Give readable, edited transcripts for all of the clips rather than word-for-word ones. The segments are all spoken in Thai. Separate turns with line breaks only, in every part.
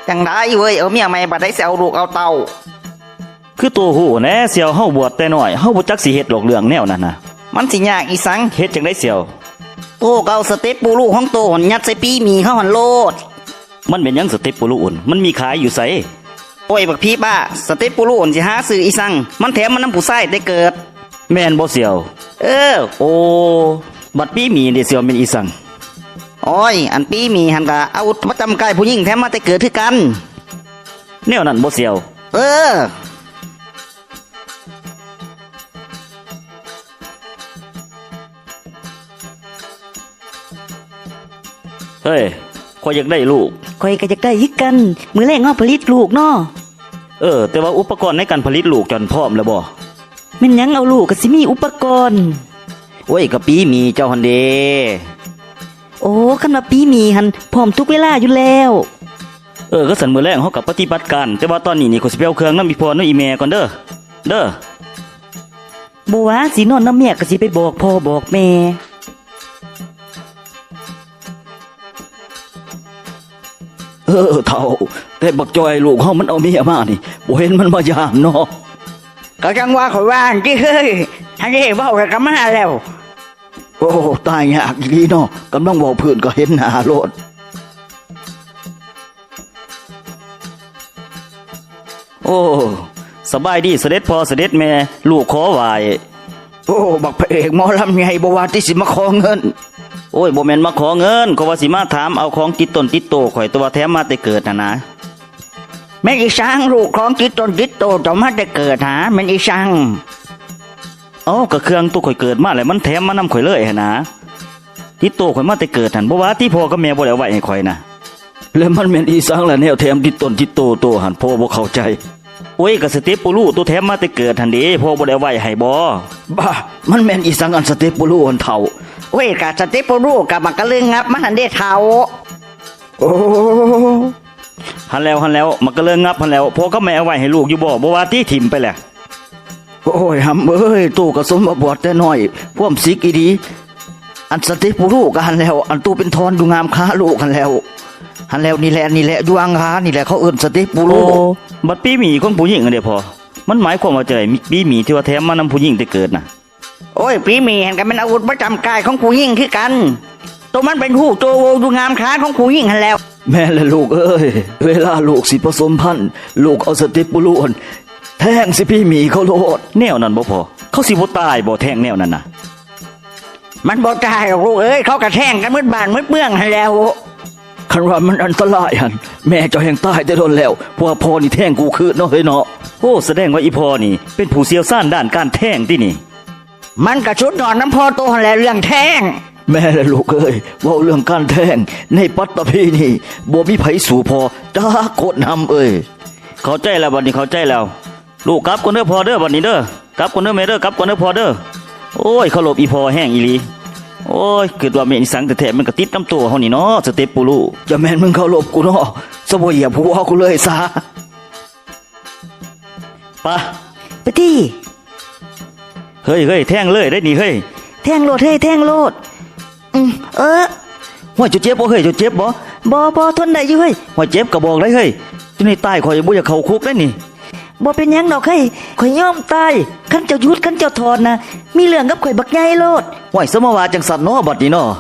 จังได้เว้ยเอาเมียใหม่บัดได้เสียเอาลูกเอาเต้า
คือตัวหูแน่เสี่ยวเฮาบวชแต่น้อยเฮาบ่จักสิเฮ็ดหรอกเรื่องแนวนั้นน่ะ
มันสิยากอีสัง
เฮ็ดจังได๋เสี่ยว
โตเกาสเต็ปปูลูกของโตหนยัดใส่ปีมีเข้าหันโลด
มันเป็นหยังสเต็ปปูรุ่นมันมีขายอยู่ไส
โอ้ยบักพี่ป้าสเต็ปปูลูกสิหาซื้ออีสังมันแถมมันน้ำผู้ชายได้เกิด
แม่นบ่เสี่ยวโอ้บัดปีมีเด้เสี่ยวเป็นอีสัง
โอ้ยอันปีมีหันกะเอาประจำกายผู้หญิงแถมมาแต่เกิดคือกัน
แนวนั้นบ่เสี่ยวเฮ้ยข้อยอยากได้ลูก
ข้อยก็อยากได้คือกันมื้อแรกเฮาผลิตลูกเนาะ
แต่ว่าอุปกรณ์ในการผลิตลูกจนพร้อมแล้วบ่
แม่นหยังเอาลูกก็สิมีอุปกรณ์
โอ้ยก็ปีมีเจ้าหั่นเด้
โอ้คันว่าปีมีหั่นพร้อมทุกเวลาอยู่แล้ว
ก็สั่นมื้อแรกเฮาก็ปฏิบัติการแต่ว่าตอนนี้นี่ข้อยสิไปเอาเครื่องนำอีพ่อนำอีแม่ก่อนเด้อ
บ่ว่าสินอนนำแม่ก็สิไปบอกพ่อบอกแม่
เฒ่าแต่บักจอยลูกเฮามันเอาเมียมานี่บ่เห็นมันมายามเนาะ
ก็จังว่าข่อยว่าจิเฮ้ยทันได้เว้ากันมาแล้ว
โอ้ตายยากอีหลีเนาะกำลังเว้าเพิ่นก็เห็นหน้าโลดโอ้สบายดีเสด็จพ่อเสด็จแม่ลูกขอไหว้
โอ้บักพระเอกหมอลำใหญ่บ่ว่าที่สิมาขอเงิน
โอ้ยบ่แม่นมาขอเงินก็ว่าสิมาถามเอาของติดต้นติดโตข่อยตัวแถมมาแต่เกิดนะ
แม่นอีสังลูกของติดต้นติดโตต่อมาแต่เกิดหาแม่นอีสัง
ก็เครื่องตัวข่อยเกิดมาแล้วมันแถมมานำข่อยเลยหั่นนะติดโตข่อยมาแต่เกิดหั่นบ่ว่าที่พ่อกับแม่บ่ได้เอาไว้ให้ข่อยนะแล้วมันแม่นอีสังล่ะแนวแถมติดต้นติดโตหั่นพ่อบ่เข้าใจโอ้ยก็สเต็ปปูรูตัวแถมมาแต่เกิดหั่นเด้พ่อบ่ได้เอาไว้ให้บ่
บ้ามันแม่นอีสังอันสเต็ปปูรูอันเฒ่าโอ้ยกะสเต็ปปูรูกะมันก็เรื่องงับมันหันได้เฒ่า
โอ้หันแล้วมันก็เรื่องงับหันแล้วพ่อก็แม่เอาไว้ให้ลูกอยู่บ่ว่าที่ถิ่มไปแหละ
โอ้ยหำเอ้ยตู้ก็สมมาบวชแต่น้อยพวกสิกอีดีอันสติปูรูกหันแล้วอันตู้เป็นทอนดูงามค้าลูกหันแล้วนี่แหละอยู่อังคานี่แหละเขาเอิ้นสติปูรู
บัดปีหมีของผู้หญิงอันเด้พอมันหมายความว่าจะได้ปีหมีที่ว่าแถมมานำผู้หญิงแต่เกิดน่ะ
โอ้ยปีหมีหันก็เป็นอาวุธประจำกายของผู้หญิงคือกันตัวมันเป็นหูตัวดูงามค้าของผู้หญิงหันแล้ว
แม่และลูกเอ้ยเวลาลูกสิผสมพันธุ์ลูกเอาสติปูรูแทงสิพี่หมีเขาโลดแนวนั้นบ่พอเขาสิบ่ตายบ่แทงแนวนั้นน่ะ
มันบ่ตายหรอกลูกเอ้ยเขากระแทงกันมืดบ้านมืดเมืองให้แล้ว
คันว่ามันอันตรายหั่นแม่เจ้าแห่งตายแต่โดนแล้วเพราะว่าพ่อนี่แทงกูคือเนาะเฮ้ยเนาะโอ้แสดงว่าอีพ่อนี่เป็นผู้เชี่ยวชาญด้านการแทงตินี่
มันกระชุดนอนน้ำพ่อโตหั่นแหละเรื่องแทง
แม่และลูกเอ้ยเว้าเรื่องการแทงในปัตตภีนี่บ่มีไผสู่พ่อตากดนำเอ้ยเข้าใจแล้วบัดนี้เข้าใจแล้วลูกกลับก่อนเด้อพ่อเด้อบัดนี้เด้อกลับก่อนเด้อแม่เด้อกลับก่อนเด้อพ่อเด้อโอ้ยเคารพอีพ่อแห้งอีหลีโอ้ยคิดว่าแม่นอีสังแต่แท้มันก็ติดน้ำตัวเฮานี่เนาะสเต็ปปูรูจะแม่นมึงเคารพกูเนาะซะบ่เหยียบหัวกูเลยซะ
ไปติ
เฮ้ยแทงเลยได้นี่เฮ้ย
แทงโลดเฮ้ยแทงโลด
ว่าจะเจ็บบ่เฮ้ยจะเจ็บ
บ่ทนได้อยู่เฮ้ย
ว่าเจ็บก็บอกได้เฮ้ยจนนี่ตายข่อยบ่อยากเข้าคุกได้นี่
บ่เป็นหยังดอกเฮ้ยข่อยยอมตายคันเจ้าหยุดคันเจ้าถอนนะมีเรื่องกับข่อยบักใหญ่โลด
ห้วยสมว่าจังสัตว์เนาะบัดนี้เนาะ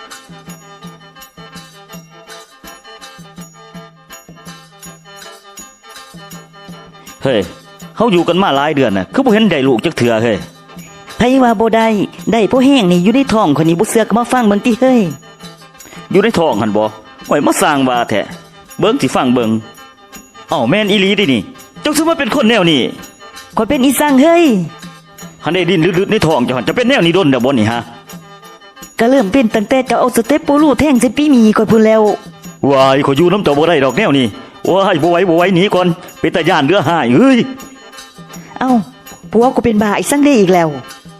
เฮ้ยเฮาอยู่กันมาหลายเดือนน่ะคือบ่เห็นได้ลูกจักเทื่อเฮ้ย
ไผว่าบ่ได้ผู้แห้งนี่อยู่ในท้องคนนี้บ่เสือกมาฟังเบิ่งติเฮ้ย
อยู่ในท้องหั่นบ่ห้วยมาสร้างว่าแท้เบิ่งสิฟังเบิ่งแม่นอีหลีดินี่เจ้าสิมาเป็นคนแนวนี้
ข่อยเป็นอีสังเฮ้ย
หันได้ดินลึดๆในท้องเจ้าจะเป็นแนวนี้ดนดบ่นี่ฮะ
ก็เริ่มเป็นตั้งแต่เจ้าเอาสเต็ปปูรูแทงสิปีมีข่อยพูดแล้ว
วายข่อยอยู่นำเจ้าบ่ได้ดอกแนวนี้ว้ายบ่ไหวหนีก่อนเป็นตาย่านเรือหายเฮ้ย
ผัวกูเป็นบ้าอีสังได้อีกแล้ว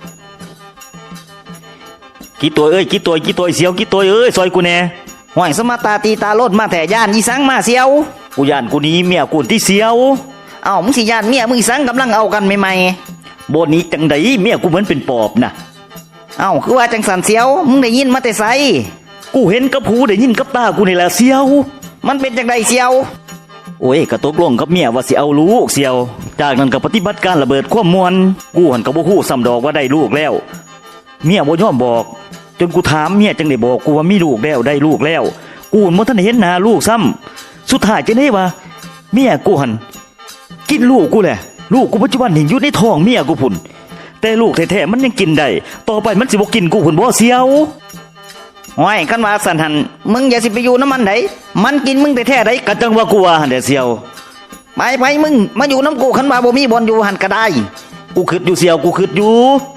กี่ตัวเอ้ยกี่ตัวเสียวกี่ตัวเอ้ยซอยกูแน่
ห้วยสมาตาตีตาโลดมาแต่ย่านอีสังมาเสียว
กูย่านกูนี้เมียกูที่เสียว
มึงสิย่านเมียมึงอีสังกำลังเอากันใหม่
ๆบ่นี้จังได๋เมียกูเหมือนเป็นปอบน่ะ
คือว่าจังสันเสียวมึงได้ยินมาแต่ไส
กูเห็นกับหูได้ยินกับตากูนี่แหละเสียว
มันเป็นจังไดเสียว
โอ้ยก็ตกลงกับเมียว่าสิเอาลูกเสียว จากนั้นก็ปฏิบัติการระเบิดความมวลกูหันก็บ่ฮู้ซ้ำดอกว่าได้ลูกแล้ว เมียบ่ยอมบอก จนกูถามเมียจังได้บอกกูว่ามีลูกแล้วได้ลูกแล้ว กูหันบ่ทันได้เห็นหน้าลูกซ้ำสุดท้ายจะได้ว่าเมียกูหันกินลูกกูแหละลูกกูปัจจุบันนี่อยู่ในท้องเมียกูพุ่นแต่ลูกแท้ๆมันยังกินได้ต่อไปมันสิบ่กินกูพุ่นบ่เสียว
ห้อยกันว่าสันหันมึงอย่าสิไปอยู่น้ำมันไดมันกินมึงแต่แท้ได
ก็จังว่ากูว่าหั่นแหละเสียว
ไปมึงมาอยู่น้ำกูคันว่าบ่มีบอลอยู่หันก็ได้
กูคิดอยู่เสียวกูคิดอยู่